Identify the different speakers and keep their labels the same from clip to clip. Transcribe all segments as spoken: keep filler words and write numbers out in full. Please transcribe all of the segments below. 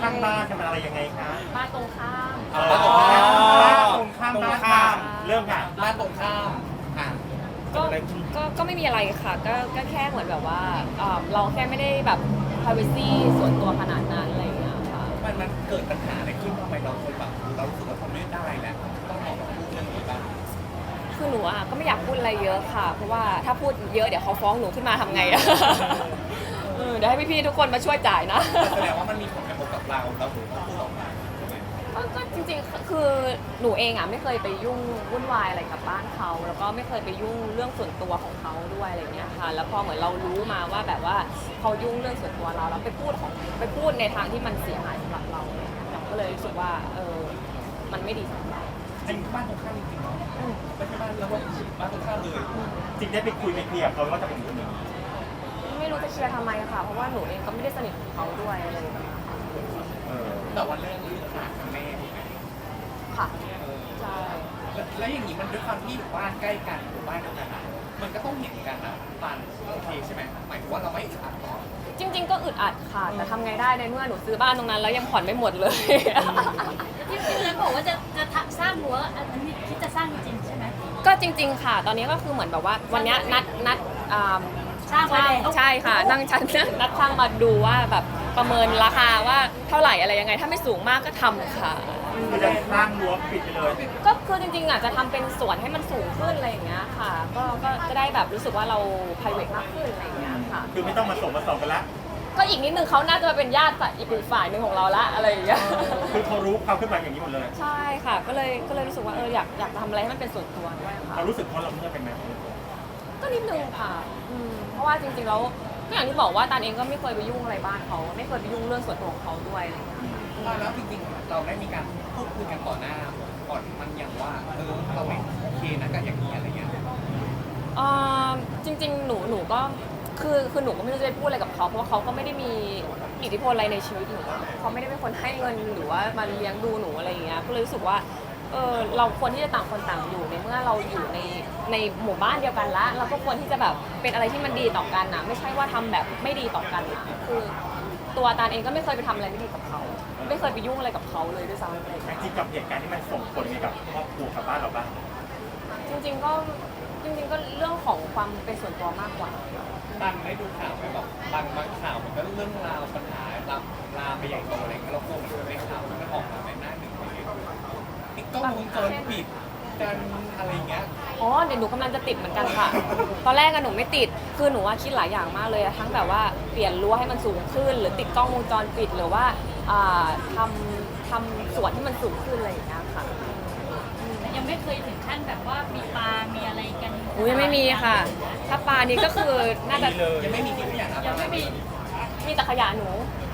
Speaker 1: ข้างบ้านจะเป็นอะไรยังไงคะ
Speaker 2: บ้านตรงข้าม
Speaker 1: เออบ้านตรงข้ามบ้านตรงข้ามบ้านข้ามเริ่มค่ะ
Speaker 3: บ้านตรงข้ามอ่ะ
Speaker 2: ก็ก็ก็ไม่มีอะไรค่ะ ก็ก็แค่เหมือนแบบว่าเอ่อเราแค่ไม่ได้แบบ privacy ส่วนตัวขนาดนั้นอะไรอย่างเงี้ยค่ะ
Speaker 3: มันมันเกิดปัญหาอะไรขึ้นทำไมเราคนแบบเรารู้สึกว่าทนไม่ได้แล้วต้องออกมาพูดเรื่องนี้บ้าง
Speaker 2: คือหนูอ่ะก็ไม่อยากพูดอะไรเยอะค่ะ เพราะว่าถ้าพูดเยอะเดี๋ยวเขาฟ้องหนูขึ้นมาทำไงอะ เออเดี๋ยวให้พี่ๆทุกคนมาช่วยจ่ายนะ
Speaker 3: แสดงว่ามันมีผลกระทบกับเราเราถึงต้องพูดออกมาใช่ไหม
Speaker 2: ก็ก็จริงๆ คือหนูเองอ่ะไม่เคยไปยุ่งวุ่นวายอะไรกับบ้านเขาแล้วก็ไม่เคยไปยุ่งเรื่องส่วนตัวของเขาด้วยอะไรเงี้ยค่ะแล้วพอเหมือนเรารู้มาว่าแบบว่าเขายุ่งเรื่องส่วนตัวเราแล้วไปพูดของไปพูดในทางที่มันเสียหายสำหรับเราอะไรเงี้ยเราก็เลยรู้สึกว่าเออมันไม่ดีสำหรับเรา
Speaker 3: อันนี้บ้านตรงข้ามจริงๆเนาะไม่ใช่บ้านแล้วว่าบ้านตรงข้ามเลย
Speaker 1: จริงได้ไปคุยไปเคลียร์เขาว่าจะเป็นยังไง
Speaker 2: ไม่รู้จะเชียร์ทำไมค่ะเพราะว่าหนูเองก็ไม่ได้สนิทกับเขาด้วยอะไรอย่างเงี้ยค่ะ
Speaker 1: เออ
Speaker 3: แต่วันแรกเรื่องขาดแม่ถูกไหม
Speaker 2: ค่ะ
Speaker 3: เออ
Speaker 2: ใช่
Speaker 3: แล้วแล้วอย่างนี้มันด้วยความที่อยู่บ้านใกล้กันอยู่บ้านเดียวกันอะมันก็ต้องเห็นกันนะปานโอเคใช่ไหมหมายถึงว่าเราไม่อึดอัดหรอ
Speaker 2: จริง ๆ ก็อึดอัดค่ะแต่ทำไงได้ในเมื่อหนูซื้อบ้านตรงนั้นแล้วยังผ่อนไม่หมดเลย
Speaker 4: ที่พี่เลยบอกว่าจะจะทำสร้างรั้วอันนี้คิดจะสร้างจริงๆใช่ไหม
Speaker 2: ก็จริง ๆ ค่ะ ตอนนี้ก็คือเหมือนแบบว่าวันเนี้ยนัดนัดอ่า
Speaker 4: สร้างไว้
Speaker 2: ใช่
Speaker 4: แล้ว
Speaker 2: ใช่ค่ะนั่งชั้นนัดช่างมาดูว่าแบบประเมินราคาว่าเท่าไหร่อะไรยังไง ถ้าไม่สูงมากก็ทำค่ะ
Speaker 1: คือจะสร้างรั้วปิดไปเลย
Speaker 2: ก็คือจริงๆอ่ะจะทำเป็นสวนให้มันสูงขึ้นอะไรอย่างเงี้ยค่ะ ก็ก็จะได้แบบรู้สึกว่าเรา private มากขึ้นอะไรอย่างเงี้ยค่ะ
Speaker 1: คือไม่ต้องมาส่งมาส่งกันละ
Speaker 2: ก็อีกนิดนึงเขาน่าจะเป็นญาติฝ่ายอีกฝ่ายหนึ่งของเราละอะไรอย่างเงี้ย
Speaker 1: คือเขารู้เขาขึ้นมาอย่างนี้หมดเลย
Speaker 2: ใช่ค่ะ ก็เลยก็เลยรู้สึกว่าเอออยากอยากทำอะไรให้มันเป็นส่วนตัวด้วยค่ะ
Speaker 1: เขารู้สึกเพราะเราเมื่อเป็นไหม
Speaker 2: ก็นิดนึงค่ะอืมเพราะว่าจริงๆแล้วก็อย่างที่บอกว่าตานเองก็ไม่เคยไปยุ่งอะไรบ้านเขาไม่เคยไปยุ่งเรื่องส่วนตัวของเขาด้วยอะไรอย่างเงี้ย
Speaker 3: แล้วจริงๆเราได้มีการพูดคุยกันต่อหน้าก่อนมันอย่างว่าเออเราไม่โอเคนะกับอย่างนี้อะไรเงี้ย
Speaker 2: เอ่อจริงๆหนูหนูก็คือคือหนูก็ไม่รู้จะไปพูดอะไรกับเขาเพราะว่าเขาก็ไม่ได้มีอิทธิพลอะไรในชีวิตหนูเขาไม่ได้เป็นคนให้เงินหรือว่ามาเลี้ยงดูหนูอะไรอย่างเงี้ยก็เลยรู้สึกว่าเออเราควรที่จะต่างคนต่างอยู่ในเมื่อเราอยู่ในในหมู่บ้านเดียวกันละเราก็ควรที่จะแบบเป็นอะไรที่มันดีต่อกันนะไม่ใช่ว่าทำแบบไม่ดีต่อกันนะคือตัวตาลเองก็ไม่เคยไปทำอะไรไม่ดีกับเขาไม่เคยไปยุ่งอะไรกับเขาเลยด้วยซ้ำอะไรอย่าง
Speaker 1: แต่
Speaker 2: เลย
Speaker 1: จริงกับเหตุการณ์ที่มันส่งผลให้กับครอบครัวกับบ้านเราบ้าง
Speaker 2: จริงๆก็จริงๆก็เรื่องของความเป็นส่วนตัวมากกว่า
Speaker 3: ตันได้ดูข่าวไหมแบบบางบางข่าวมันก็เรื่องราวปัญหาลามลามไปใหญ่โตอะไรเงี้ยเรากลัวมันจะในข่าวมันออกมาในหน้าหนึ่งอะไรเงี้ยนี่ก็วงจรปิดกันอะไรเงี้ย
Speaker 2: อ๋อเดี๋ยวหนูกำลังจะติดเหมือนกันค่ะ ตอนแรกอะหนูไม่ติด คือหนูว่าคิดหลายอย่างมากเลยอะทั้งแบบว่าเปลี่ยนรั้วให้มันสูงขึ้น หรือติดกล้องวงจรปิด หรือว่าอ่าทำทำสวนที่มันสูงขึ้นอะไรอย่างเงี้ยค่ะ
Speaker 4: แต่ยังไม่เคยถึงขั้นแบบว่ามีปลา มีอะไรกัน
Speaker 2: อุ้ยยังไม่มีค่ะ ถ้าปลานี้ก็คือน่าจะ
Speaker 3: ยังไม่มีที่ขยะนะ
Speaker 4: ยังไม่มี
Speaker 2: มีแต่ขยะหนู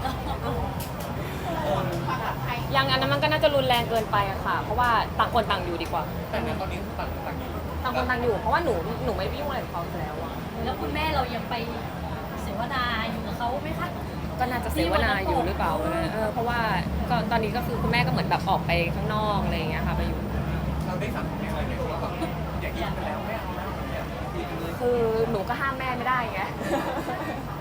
Speaker 2: ยังอันนั้นมันก็น่าจะรุนแรงเกินไปอะค่ะ เพราะว่าต่างคนต่างอยู่ดีกว่า
Speaker 3: แต่ในตอนนี้ต่างต่างอยู่
Speaker 2: ต่างคนต่างอยู่ เพราะว่าหนูหนูไม่ได้ไปยุ่งอะไรกับเขาอยู่แล้วอะ
Speaker 4: แล้วคุณแม่เรายังไปเสวนาอยู่กับเขาไหมคะ
Speaker 2: ก็น่าจะเสวนาอยู่หรือเปล่าเออเพราะว่าก็ตอนนี้ก็คือคุณแม่ก็เหมือนแบบออกไปข้างนอกอะไรอย่างเงี้ยค่ะไปอยู่
Speaker 3: เราได้สั่งแม่อะไรไหมว่าแบบอย่างนี้ไปแล้วแม่เอาแล้วอย่างเงี้ยคุยกันเลย
Speaker 2: คือหนูก็ห้ามแม่ไม่ได้ไง